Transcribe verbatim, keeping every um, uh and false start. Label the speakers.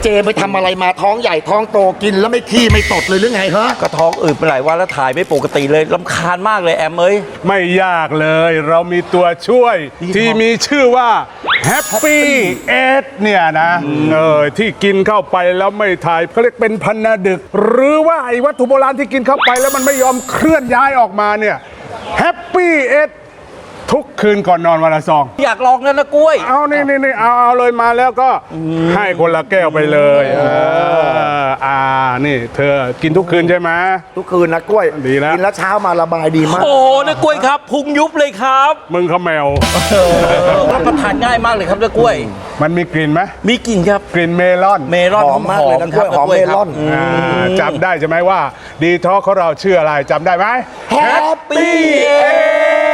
Speaker 1: เจไปทำอะไรมาท้องใหญ่ท้องโตกินแล้วไม่ขี้ไม่ตดเลยหรือไงฮะ
Speaker 2: ก็ท้องอืดไปหลายวันแล้วถ่ายไม่ปกติเลยรำคาญมากเลยแอมเอ้ย
Speaker 3: ไม่ยากเลยเรามีตัวช่วยที่มีชื่อว่า Happy เอทเนี่ยนะเออที่กินเข้าไปแล้วไม่ถ่ายเขาเรียกเป็นพันนาดึก หรือว่าไอ้วัตถุโบราณที่กินเข้าไปแล้วมันไม่ยอมเคลื่อนย้ายออกมาเนี่ย Happy เอททุกคืนก่อนนอนวันละซอง
Speaker 2: อยากลองนั่นนะกล้วย
Speaker 3: เอานี่นี่นี่เอาเอาเลยมาแล้วก็ให้คนละแก้วไปเลยเอออ่านี่เธอกินทุกคืนใช่ไหม
Speaker 1: ทุกคืนนะกล้วย
Speaker 3: ดีแล้ว
Speaker 1: กินแล้วเช้ามาระบายดีมาก
Speaker 2: โอ้นะกล้วยครับพุงยุบเลยครับ
Speaker 3: มึงเขาแมว
Speaker 2: รับประทานง่ายมากเลยครับนะกล้วย
Speaker 3: มันมีกลิ่นไหม
Speaker 2: มีกลิ่นครับ
Speaker 3: กลิ่นเมลอน
Speaker 2: เมลอน
Speaker 1: หอมมากเลยนะกล้วยหอมเมลอน
Speaker 3: จำได้ใช่ไหมว่าดีท็อกของเราชื่ออะไรจำได้ไหม
Speaker 1: Happy
Speaker 3: เอ